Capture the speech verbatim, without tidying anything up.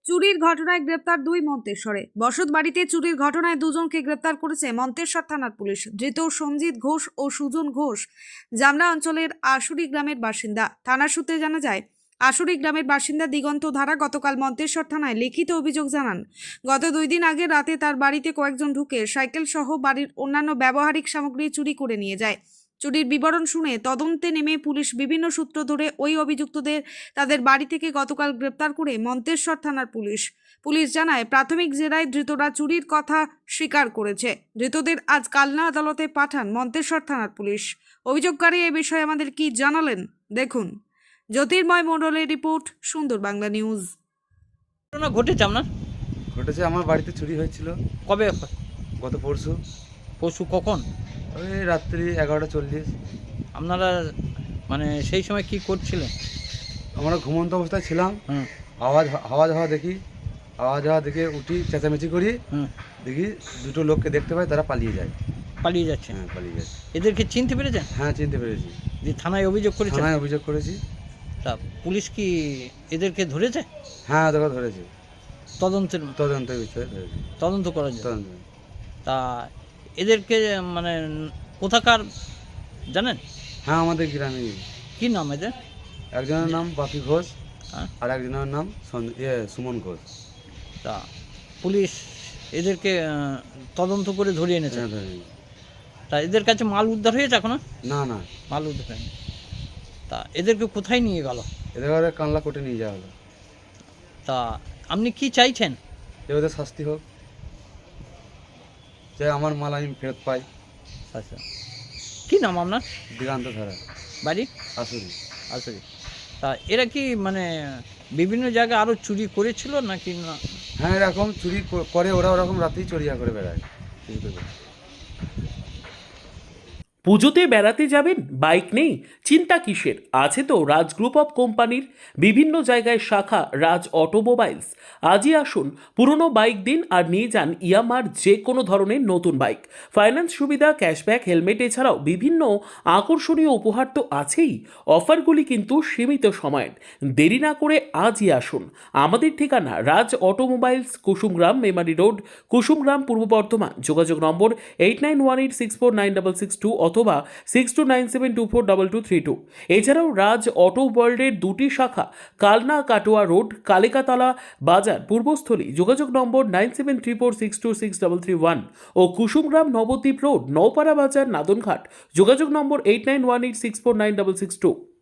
চুরির ঘটনায় গ্রেপ্তার দুই মন্তেশ্বরে। বসত বাড়িতে চুরির ঘটনায় দুজনকে গ্রেপ্তার করেছে মন্তেশ্বর থানার পুলিশ। ধৃত সঞ্জিত ঘোষ ও সুজন ঘোষ জামরা অঞ্চলের আশুরি গ্রামের বাসিন্দা। থানা সূত্রে জানা যায়, আশুরি গ্রামের বাসিন্দা দিগন্ত ধারা গতকাল মন্তেশ্বর থানায় লিখিত অভিযোগ জানান, গত দুই দিন আগে রাতে তার বাড়িতে কয়েকজন ঢুকে সাইকেল সহ বাড়ির অন্যান্য ব্যবহারিক সামগ্রী চুরি করে নিয়ে যায়। চুরির বিবরণ শুনে তদন্তে নেমে পুলিশ বিভিন্ন সূত্র ধরে ওই অভিযুক্তদের তাদের বাড়ি থেকে গতকাল গ্রেপ্তার করে মন্তেশ্বর থানার পুলিশ। পুলিশ জানায়, প্রাথমিক জেরায় ধৃতরা চুরির কথা স্বীকার করেছে। ধৃতদের আজ কালনা আদালতে পাঠান মন্তেশ্বর থানার পুলিশ। অভিযোগকারী এ বিষয়ে আমাদের কি জানালেন দেখুন। জ্যোতির্ময় মণ্ডলের রিপোর্ট, সুন্দর বাংলা নিউজ। ঘটনা ঘটেছে আপনার? ঘটেছে, আমার বাড়িতে চুরি হয়েছিল কবে? গত পরশু। পরশু কখন? ওই রাত্রি এগারোটা চল্লিশ। আপনারা মানে সেই সময় কি করছিলেন? আমরা ঘুমন্ত অবস্থায় ছিলাম। হুম আওয়াজ আওয়াজ হওয়া দেখি, আওয়াজ হওয়া দেখে উঠি, চেঁচামেচি করি, হুম দেখি দুটো লোককে দেখতে পাই, তারা পালিয়ে যায়। পালিয়ে যাচ্ছে? হ্যাঁ, পালিয়ে যাচ্ছে। এদেরকে চিনতে পেরেছেন? হ্যাঁ, চিনতে পেরেছি। যে থানায় অভিযোগ করেছেন? থানায় অভিযোগ করেছি। তা পুলিশ কি এদেরকে ধরেছে? হ্যাঁ, ওদেরকে ধরেছি। তদন্তের তদন্তের বিষয়ে ধরেছি। তদন্ত করার জন্য? তদন্ত। তা এদেরকে মানে কোথাকার জানেন? হ্যাঁ, আমাদের গ্রামে। কি নাম এদের? একজনের নাম বাপি ঘোষ, হ্যাঁ। আর একজনের নাম সন- ইয়ে সুমন ঘোষ। তা পুলিশ এদেরকে আহ, তদন্ত করে ধরিয়ে এনেছে? হ্যাঁ, ধরেছি। তা এদের কাছে মাল উদ্ধার হয়েছে এখনো? না না, মাল উদ্ধার হয়নি। তা এদেরকে কোথায় নিয়ে গেল? এদের কানলা কোর্টে নিয়ে যাওয়া হলো। তা আপনি কি চাইছেন? যে ওদের শাস্তি হোক, যে আমার মাল আমি ফেরত পাই। আচ্ছা, কি নাম আপনার? দিগান্ত ধারা, বাড়ি? আসুরি। আসলে তা এরা কি মানে বিভিন্ন জায়গায় আরও চুরি করেছিল নাকি না? হ্যাঁ, এরকম চুরি ক- করে ওরা, ওরকম রাতেই চুরিয়া করে বেড়ায়। চুরি করে বেড়ায়। পুজোতে বেড়াতে যাবেন, বাইক নেই? চিন্তা কিসের, আছে তো রাজ গ্রুপ অফ কোম্পানির বিভিন্ন জায়গায় শাখা রাজ অটোমোবাইলস। আজই আসুন, পুরনো বাইক দিন আর নিয়ে যান ইয়ামার যে কোনো ধরনের নতুন বাইক। ফাইন্যান্স সুবিধা, ক্যাশব্যাক, হেলমেট এছাড়াও বিভিন্ন আকর্ষণীয় উপহার তো আছেই। অফারগুলি কিন্তু সীমিত সময়ের। দেরি না করে আজই আসুন। আমাদের ঠিকানা রাজ অটোমোবাইলস, কুসুমগ্রাম মেমারি রোড, কুসুমগ্রাম, পূর্ব বর্ধমান। যোগাযোগ নম্বর eight nine one eight six four nine double six two অথবা six two nine seven two four double two three two. এছাড়াও রাজ অটো ওয়ার্ল্ডের দুটি শাখা, কালনা কাটোয়া রোড, কালিকাতলা বাজার, পূর্বস্থলী। যোগাযোগ নম্বর nine seven three four six two six double three one ও Kusumgram Nabadwip road, Naopara বাজার, নাদনঘাট। যোগাযোগ নম্বর eight nine one eight six four nine double six two.